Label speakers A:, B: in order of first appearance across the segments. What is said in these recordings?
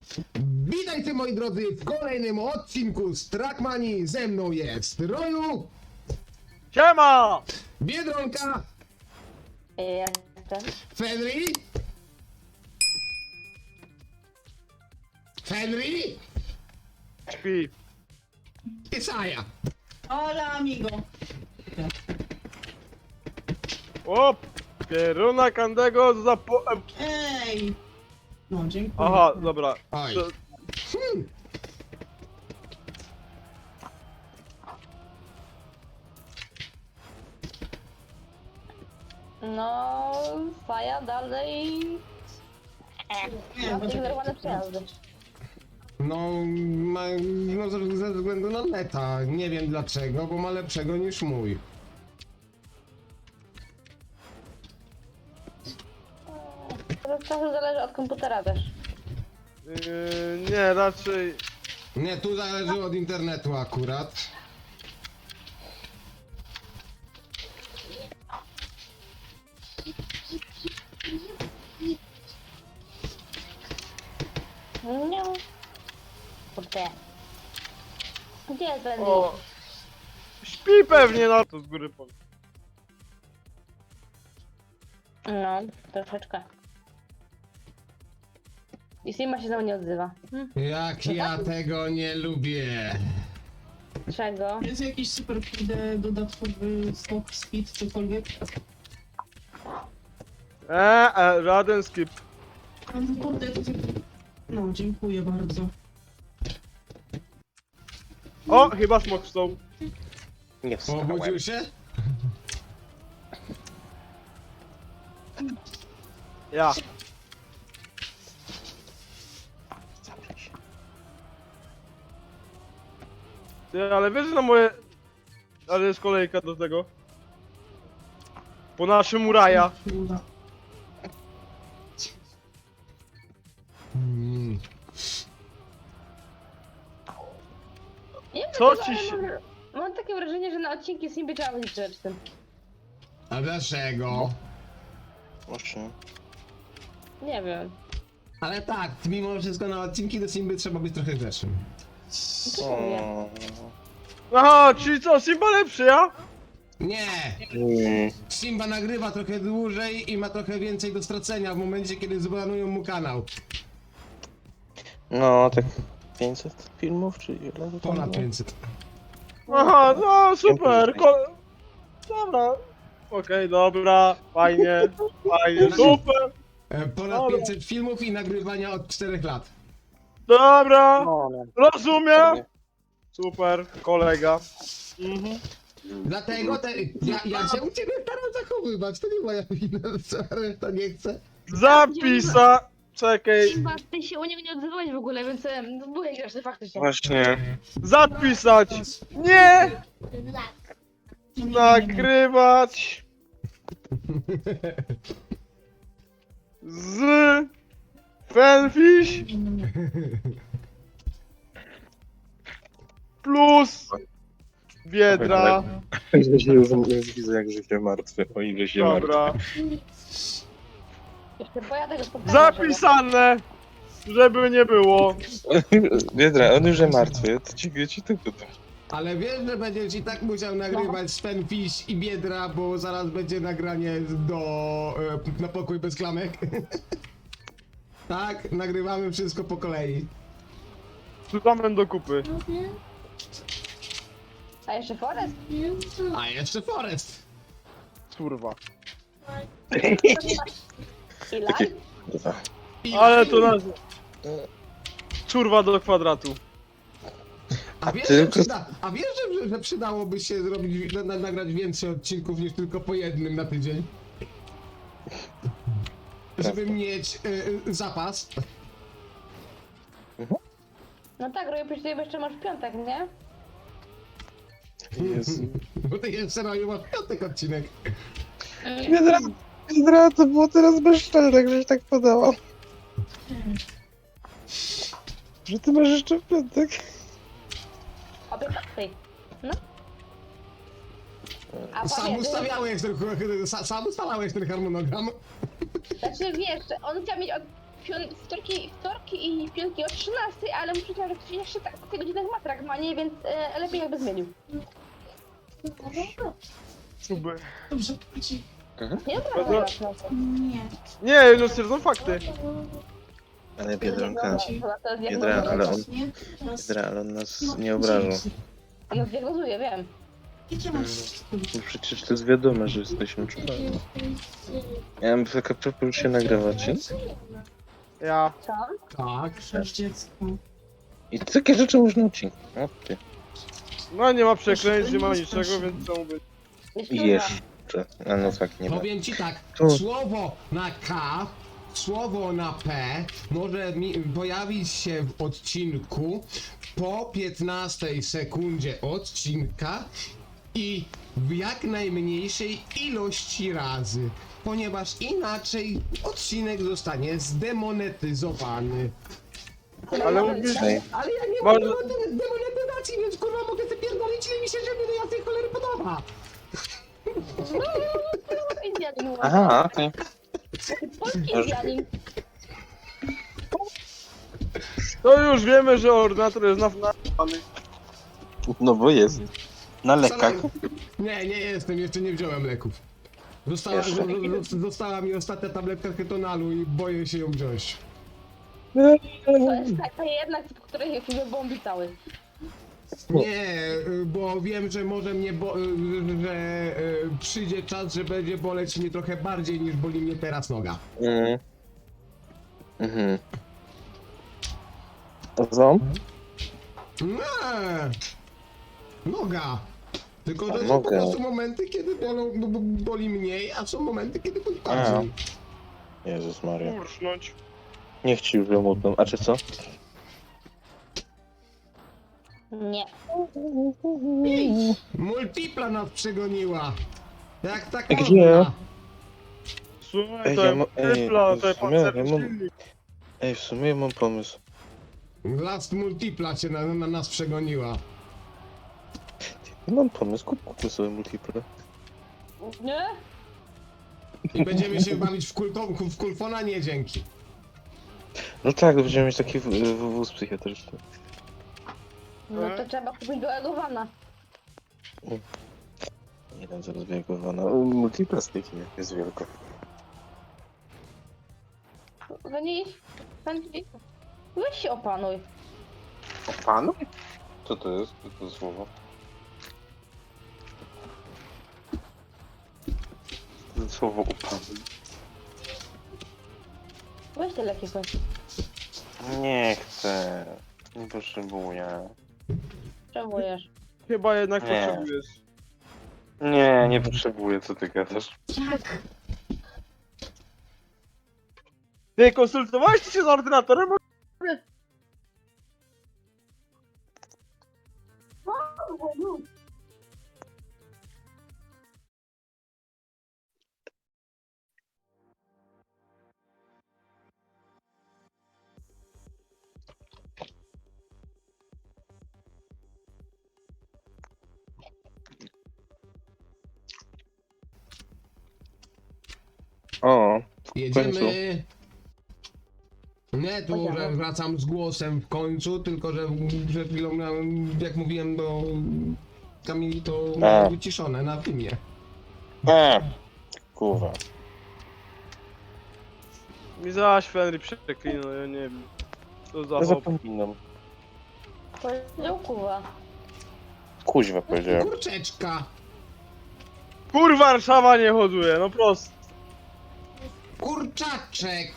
A: Witajcie moi drodzy w kolejnym odcinku z Trackmanii. Ze mną jest Roju,
B: Siema!
A: Biedronka,
C: Jestem.
A: Fenry
B: Śpi.
A: i Saja.
D: Hola, amigo.
B: O! Pieruna Kandego za po...
D: Ej! No, dziękuję.
B: Aha, dobra.
A: Oj.
B: To-
C: No, Faja dalej.
D: Nie,
C: Ma
D: poczekaj.
C: zignorowane przejazdy.
A: No ze względu na neta. Nie wiem dlaczego, bo ma lepszego niż mój.
C: To trochę zależy od komputera też.
B: nie, raczej...
A: Nie, tu zależy od internetu akurat.
C: Nie. Kurde. Gdzie jest Randy?
B: O! Śpi pewnie na to z góry powiem.
C: No, troszeczkę. I Sima się znowu nie odzywa.
A: Jak ja tego nie lubię.
C: Czego?
D: Jest jakiś super kurde dodatkowy stop, speed, cokolwiek?
B: Żaden skip.
D: No, kurde, to... No, dziękuję bardzo.
B: O, chyba smok są.
E: Nie wstałem.
A: Obudził się?
B: Ja. Ty, ale wiesz, że na moje... Ale jest kolejka do tego. Po naszym Uraja.
D: Uda.
C: Nie wiem,
B: Co
C: dlaczego,
B: ci
C: ale
B: się-
C: mam takie wrażenie, że na odcinki Simby trzeba być grzecznym.
A: A dlaczego?
E: Właśnie.
C: Nie wiem.
A: Ale tak, mimo wszystko na odcinki do Simby trzeba być trochę grzecznym.
C: Co mówię?
B: Aha, czyli co, Simba lepszy, ja?
A: Nie!
E: Mm.
A: Simba nagrywa trochę dłużej i ma trochę więcej do stracenia w momencie, kiedy zbanują mu kanał.
E: No, tak 500 filmów, czy ile to tam
A: Ponad
E: było?
A: 500.
B: Aha, no super, dobra. Okej, dobra, fajnie, super,
A: Ponad
B: Dobra.
A: 500 filmów i nagrywania od 4 lat.
B: dobra,
E: No, no.
B: rozumiem. Super, kolega. Mhm.
A: Dlatego ja się u ciebie staram zachowywać, to nie moja wina, co reszta nie chce.
B: Zapisa, czekaj,
C: Simba, ty się u niego nie odzywałeś w ogóle, więc byłeś grzeczny faktycznie.
E: Właśnie.
B: zapisać, nie, nagrywać, z, fanfish, plus, biedra,
E: Już widzę, jak życie martwe, o ile się martwe.
B: dobra,
C: Jeszcze pojadę go spotkać.
B: zapisane, żeby nie było.
E: Biedra, on już jest martwy, to ci tylko to.
A: Ale wiesz, że będziesz i tak musiał nagrywać Svenfish i Biedra, bo zaraz będzie nagranie na pokój bez klamek. Tak, nagrywamy wszystko po kolei.
B: Szukamy do kupy.
C: A jeszcze Forest?
A: A jeszcze Forest.
B: Kurwa.
C: I
E: Takie-
C: live?
E: Kurwa.
A: I
B: Ale to nas... Czurwa do kwadratu.
A: A wiesz,
E: tylko-
A: że przydałoby się zrobić, nagrać więcej odcinków niż tylko po jednym na tydzień? Żeby mieć zapas.
C: No tak, Roju, przecież ty jeszcze masz piątek, nie?
E: Jezu.
A: Bo ty jeszcze masz piątek odcinek.
E: Biedra, to było teraz bezczelne, żeś tak podała. Że ty masz jeszcze w piątek.
C: Obie ty. No. A
A: Sam
C: pamiętaj,
A: ustawiałeś ten, sam ustalałeś ten harmonogram.
C: znaczy wiesz, on chciał mieć od wtorki i piątki o 13, ale muszę powiedzieć, że ktoś jeszcze tak w tych godzinach matrak ma, nie? Więc lepiej jakby zmienił.
B: Super.
D: Dobrze, chodzi.
C: Nie
B: No
C: dobra,
D: Nie.
B: Nie, no stwierdzą fakty.
E: Ale Biedronka,
C: to jest
E: Biedra, ale on,
D: Nie?
E: Biedra, ale on nas nie obrażał.
C: No diagnozuję, wiem.
D: Jakie masz?
E: No przecież to jest wiadome, że jesteśmy czubami. Ja mam taka propos, już się nagrywacie.
B: Ja.
C: Co?
A: Tak.
D: Masz dziecko.
E: I takie rzeczy można odcinać. O ty.
B: No nie ma przekleństw, nie ma niczego, więc co mówię.
C: Jest
E: I
C: trudna.
E: jeszcze. A no tak, nie ma.
A: Powiem ci tak,
E: To-
A: słowo na K, słowo na P może pojawić się w odcinku po 15 sekundzie odcinka i w jak najmniejszej ilości razy, ponieważ inaczej odcinek zostanie zdemonetyzowany.
B: Ale mówisz,
E: Ej,
A: Ale ja nie
B: Może-
A: mam demonetyzacji, więc kurwa mogę sobie pierdolić ile mi się żeby do jasnej cholery podoba.
C: Indianin.
E: aha, okej.
C: Polski Indianin.
B: to już wiemy, że ordynator jest na...
E: No bo jest. Na lekach.
A: Nie, nie jestem, jeszcze nie wziąłem leków.
E: Jeszcze.
A: Została mi ostatnia tabletka ketonalu i boję się ją wziąć.
C: To jest taka jednak, po której się bombi cały.
A: Nie, bo wiem, że może mnie, że przyjdzie czas, że będzie boleć mnie trochę bardziej niż boli mnie teraz noga.
E: Mhm. Mhm. To co?
A: Nie, noga. Tylko, że
E: A,
A: są po
E: noga.
A: prostu momenty, kiedy boli mniej, a są momenty, kiedy boli bardziej.
E: Jezus Maria.
B: Ursznąć.
E: Niech ci już wymutną. A czy co?
C: Nie.
A: Multipla nas przegoniła. Jak tak
E: Gdzie?
A: można?
B: Słuchaj,
E: Ej,
B: to
E: ja ma- ej,
B: typla, to
E: w
B: jest
E: sumie ja
B: pancerny
E: mam-
B: silnik.
E: Ej, w sumie ja mam pomysł.
A: Last Multipla cię na nas przegoniła.
E: Ja mam pomysł, kupmy sobie multiple.
C: Nie?
A: I będziemy się bawić w kulfona? Nie, dzięki.
E: No tak, będziemy mieć taki wóz psychiatryczny.
C: No to trzeba kupić do Egowana.
E: Jeden zaraz wiekowana. Multiple z tych jest wielko.
C: Weź się opanuj.
E: Panu? Co to jest? Co to jest słowo? To jest słowo upanuj.
C: Weź te leki coś.
E: Nie chcę. Nie potrzebuję.
C: Potrzebujesz.
B: Chyba jednak
E: Nie.
B: potrzebujesz.
E: Nie, nie potrzebuję, co ty gadasz.
B: Ty konsultowałeś się z ordynatorem?
E: O,
A: Jedziemy. Nie tu, że wracam z głosem w końcu, tylko że przed chwilą miałem, jak mówiłem do Kamili, to miałem wyciszone na filmie.
E: kurwa.
B: Mi zaś Fenry przeklinał, ja nie wiem. Co za
E: Ja
B: hop.
E: zapominam.
C: Powiedział kuwa.
E: Kuźwa powiedziałem.
A: Kurczeczka!
B: Kurwa, Warszawa nie hoduje, no prosto.
A: Kurczaczek!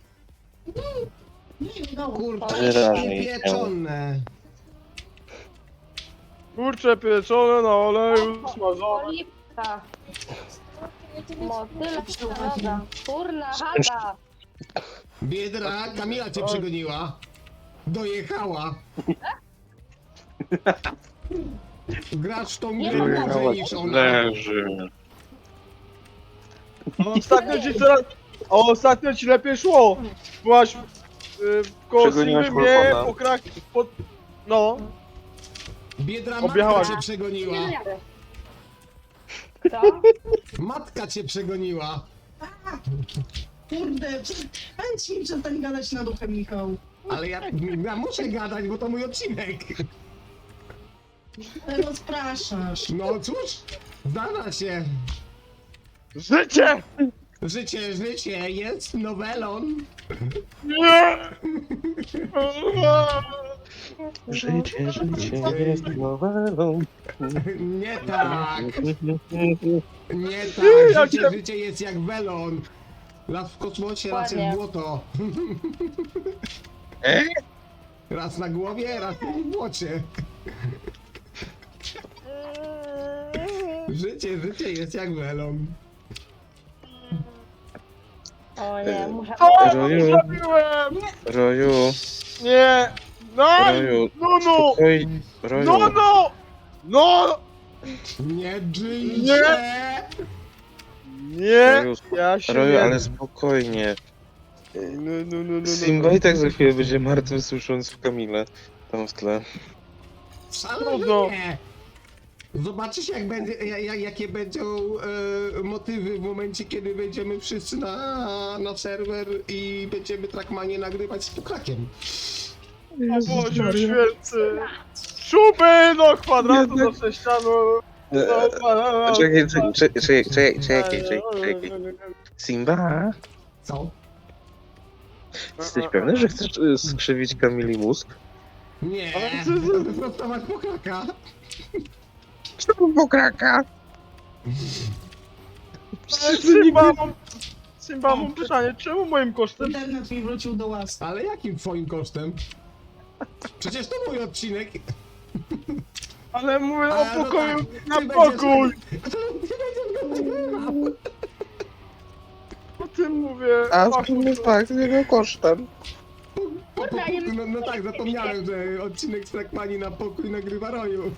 D: Nie, no.
A: Kurczaczki
E: Wyraźnie
A: pieczone!
B: Kurcze pieczone na oleju, smażone.
C: Olipka. Motyla naroda. Kurna chata.
A: Biedra, Kamila cię przegoniła. Dojechała. Grasz w tą
C: Nie
A: grę
C: ma
A: dłużej niż ona.
E: Leży.
B: Ostatnio ci lepiej szło. Byłaś koło
E: Przegoniłaś
B: Sylwy mnie
E: Wolfona.
B: po krak... pod... No.
A: Biedra,
B: Objechała
A: matka
B: się.
A: cię przegoniła.
C: Co?
A: Matka cię przegoniła.
D: Kurde, powiedz mi, przestań gadać nad uchem, Michał.
A: Ale ja muszę gadać, bo to mój odcinek.
D: Rozpraszasz.
A: No cóż, zdarza się.
B: Życie!
A: Życie jest nowelą.
B: Nie!
E: Życie jest nowelą.
A: Nie tak, nie tak. Życie jest jak welon. Raz w kosmosie, raz
C: Dokładnie.
A: jest błoto. Raz na głowie, raz w błocie. Życie jest jak welon.
C: O nie, muszę...
B: O,
E: Roju.
B: zrobiłem!
E: Roju,
B: Nie! No!
E: Roju,
B: No, no!
E: spokoj, Roju.
B: No, no! No!
A: Nie dżyjcie!
B: Nie!
E: Roju,
B: Ja się
E: Roju,
B: nie...
E: ale spokojnie.
B: No.
E: Simba i tak za chwilę będzie martwy, słysząc Kamilę tam w tle.
A: Wcale
B: Trudno.
A: nie. Zobaczysz jakie będą motywy w momencie, kiedy wejdziemy wszyscy na serwer i będziemy Trackmanie nagrywać z pokrakiem.
B: O Boże święty! Szuby do kwadratu, do sześcianu! do kwadratu.
E: Czekaj. Simba,
A: Co?
E: jesteś pewny, że chcesz skrzywić Kamili mózg?
A: Nie,
B: Ale co-
A: wyprostować pokraka.
E: Czemu pokraka?
B: Simba, mam pytanie, czemu moim kosztem?
D: Internet mi wrócił do łaski.
A: Ale jakim twoim kosztem? Przecież to mój odcinek.
B: Ale mówię
A: A,
B: o
A: no
B: pokoju
A: tak,
B: na
A: ty będziesz-
B: pokój!
A: Ty będziesz go nagrywał.
B: O tym mówię.
E: A
B: Ach,
E: tak, z jego kosztem.
C: Kurde, a nie...
A: No tak, zapomniałem, że odcinek z Trackmani na pokój nagrywa Roju.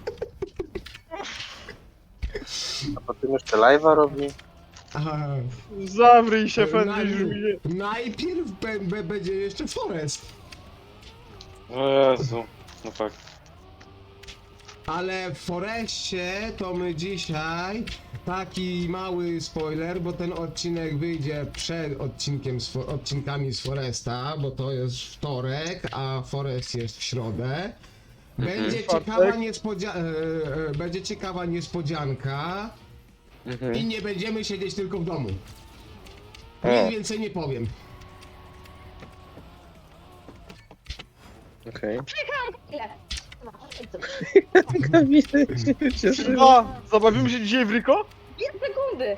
E: A potem jeszcze live'a robi?
A: Aha.
B: Zawryj się, Fenrir.
A: Najpierw będzie jeszcze Forest.
E: O Jezu, no fakt.
A: Ale w Forestie to my dzisiaj taki mały spoiler, bo ten odcinek wyjdzie przed odcinkami z Foresta, bo to jest wtorek, a Forest jest w środę. Będzie będzie ciekawa niespodzianka i nie będziemy siedzieć tylko w domu. Nic
E: O.
A: więcej nie powiem.
E: Okej.
C: Ile? No,
B: Simba, zabawimy się dzisiaj w Riko?
C: 2 sekundy!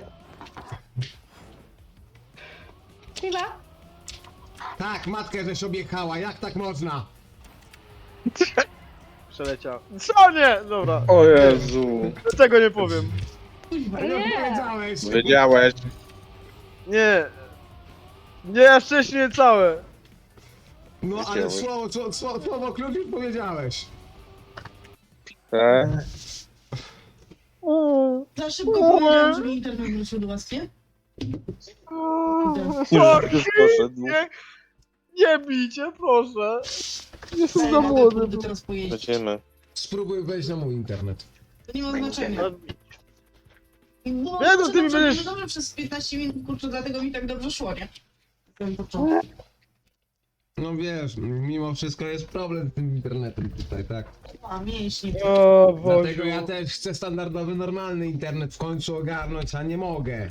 C: Chyba?
A: Tak, matkę żeś objechała, jak tak można?
B: Przeleciał. Co nie? Dobra,
E: O Jezu.
B: tego nie powiem.
D: Kuźwa,
A: Nie
C: Nie.
A: powiedziałeś.
E: Wiedziałeś.
B: Nie. Nie, wcześniej całe.
A: No ale
E: Wiedziałeś.
A: słowo klucz już powiedziałeś.
E: Tak.
D: za szybko powiedziałem, że mi internet wrócił do łaski.
E: Już poszedł.
B: Nie bijcie, proszę. Jestem
D: Ej,
B: za
D: mogę
B: młody.
D: kurde teraz pojeździć.
E: Będziemy.
A: Spróbuj wejść na mój internet.
D: To nie ma znaczenia. Bo
B: Nie, no ty mi będziesz-
D: dobrze przez 15 minut, kurczę, dlatego mi tak dobrze szło, nie? Ten początek.
A: No wiesz, mimo wszystko jest problem z tym internetem tutaj, tak?
D: A mięśnie.
B: O
A: Dlatego
B: Boże.
A: ja też chcę standardowy, normalny internet w końcu ogarnąć, a nie mogę.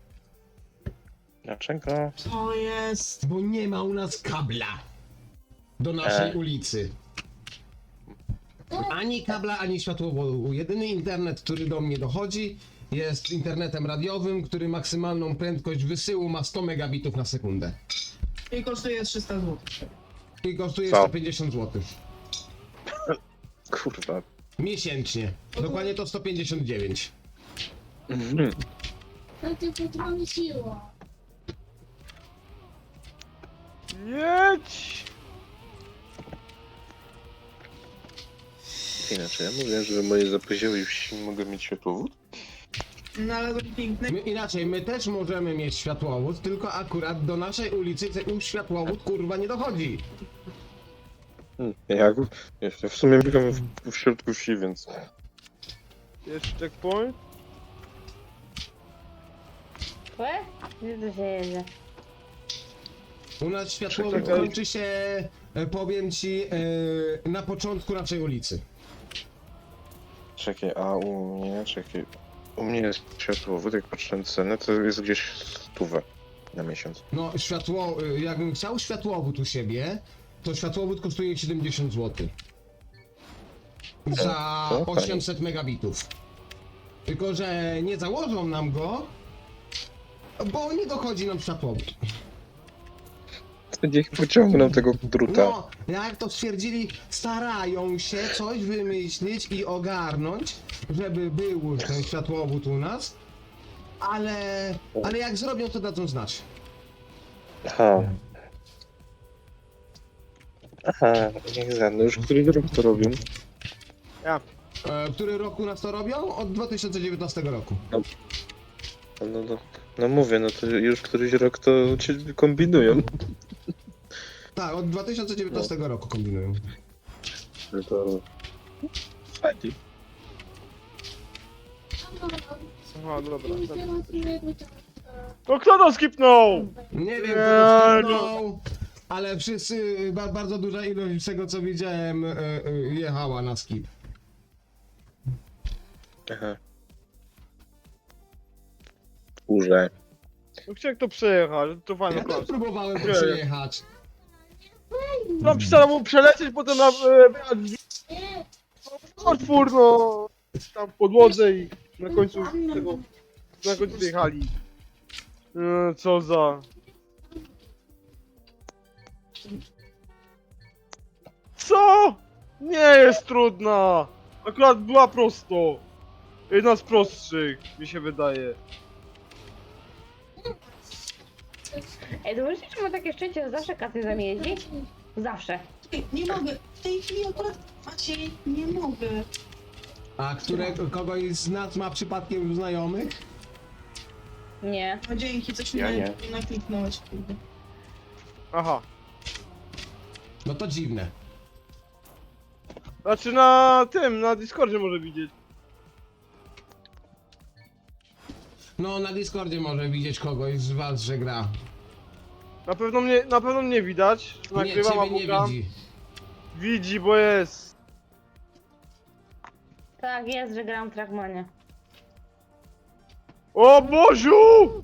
E: Dlaczego?
D: To jest.
A: Bo nie ma u nas kabla do naszej ulicy. Ani kabla, ani światłowodu. Jedyny internet, który do mnie dochodzi, jest internetem radiowym, który maksymalną prędkość wysyłu ma 100 megabitów na sekundę.
D: I kosztuje 300 zł.
A: I kosztuje
E: Co?
A: 150 zł.
E: Kurwa.
A: Miesięcznie. Dokładnie to 159.
E: Mhm.
F: To tylko trąciło.
B: Jedź!
E: Inaczej, ja mówię, że moje zapozioły wsi mogę mieć światłowód?
D: Znalazłem piękny.
A: Inaczej, my też możemy mieć światłowód, tylko akurat do naszej ulicy ten światłowód kurwa nie dochodzi.
E: Jak? Ja w sumie mieszkam w środku wsi, więc...
B: Jest checkpoint?
C: Gdzie tu się jedzie?
A: U nas światłowód
B: Czekaj.
A: kończy się, powiem ci, na początku naszej ulicy.
E: Czekaj, a u mnie, czekaj. U mnie jest światłowód, jak patrzę na cenę, to jest gdzieś 100 na miesiąc.
A: No, jakbym chciał światłowód u siebie, to światłowód kosztuje 70 zł. Za
E: to fajnie.
A: 800 megabitów. Tylko, że nie założą nam go, bo nie dochodzi nam światłowód.
E: Niech pociągną tego druta.
A: No, jak to stwierdzili, starają się coś wymyślić i ogarnąć, żeby był ten światłowód u nas, ale jak zrobią, to dadzą znać.
E: Aha. Aha, niech zadno. Już który rok to robią?
A: Który rok u nas to robią? Od 2019 roku.
E: No mówię, no to już któryś rok to ci kombinują.
A: Tak, od 2019 roku kombinują.
E: No to... Fajnie.
B: Aha, dobra. No kto to skipnął?
A: Nie wiem,
B: Nie,
A: kto to skipnął, ale wszyscy, bardzo duża ilość z tego co widziałem, jechała na skip.
E: Aha. Kurze.
B: No chciałem to przejechać, to fajna
A: Ja też
B: klasa.
A: próbowałem to
B: Nie.
A: przejechać.
B: No przestałem mu przelecieć, potem na otwór, no tam w podłodze i na końcu tego, na końcu wyjechali. Co za... Co? Nie jest trudna! Akurat była prosto. Jedna z prostszych, mi się wydaje.
C: Ej, zobaczcie, czy ma takie szczęście, że zawsze kasy za mnie jeździ? Zawsze.
D: Nie mogę. W tej chwili akurat Maciej, nie mogę.
A: A kogoś z nas ma przypadkiem znajomych?
C: Nie.
D: No dzięki, coś
E: Ja
D: mi
E: nie.
D: nakliknąłeś, kurde.
B: Aha.
A: No to dziwne.
B: Znaczy na tym, na Discordzie może widzieć.
A: No na Discordzie może widzieć kogoś z was, że gra.
B: Na pewno mnie widać.
A: Nie,
B: Nagrywam
A: ciebie
B: albo
A: nie
B: gram.
A: widzi.
B: Widzi, bo jest.
C: Tak, jest, że gram Trackmania.
B: O Boziu!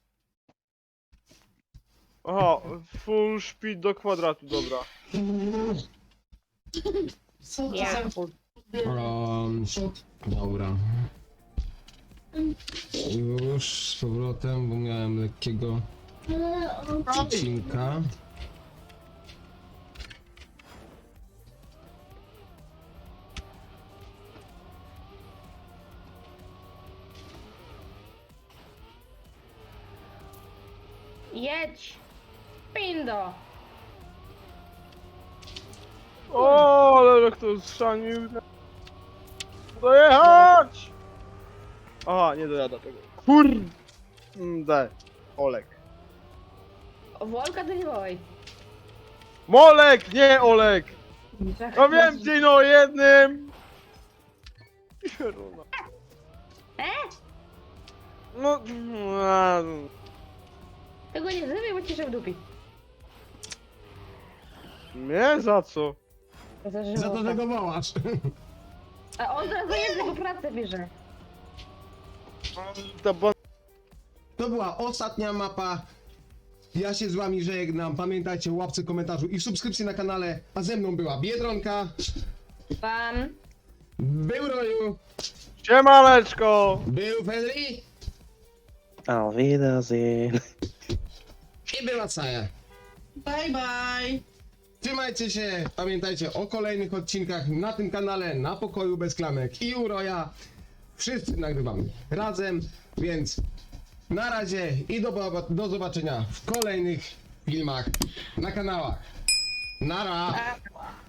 B: Aha, full speed do kwadratu, dobra.
D: Co to
C: Ja.
D: za...
A: Dobra. Już z powrotem, bo miałem lekkiego odcinka.
C: Jedź! Pindo!
B: O, ale jak to schrzanił. Dojechać! Aha, nie dojada tego. Kurde. Olek.
C: Wolka to nie wołaj.
B: Molek, nie Olek! No więcej, no jednym! Pieruna. No,
C: Tego nie zrywej, bo ci się w dupi.
B: nie za co?
A: Za to, że go wołasz.
C: A on teraz zajeżdża, bo pracę bierze.
A: To była ostatnia mapa. Ja się z wami żegnam. Pamiętajcie o łapce, komentarzu i subskrypcji na kanale. A ze mną była Biedronka,
C: Pan.
A: był Roju,
B: Siemaneczko!
A: był Fedri
E: Auf Wiedersehen.
A: i była Saja.
D: Bye, bye.
A: Trzymajcie się, pamiętajcie o kolejnych odcinkach na tym kanale, na Pokoju Bez Klamek i u Roja. Wszyscy nagrywamy razem, więc na razie i do zobaczenia w kolejnych filmach na kanałach. Nara!
C: A,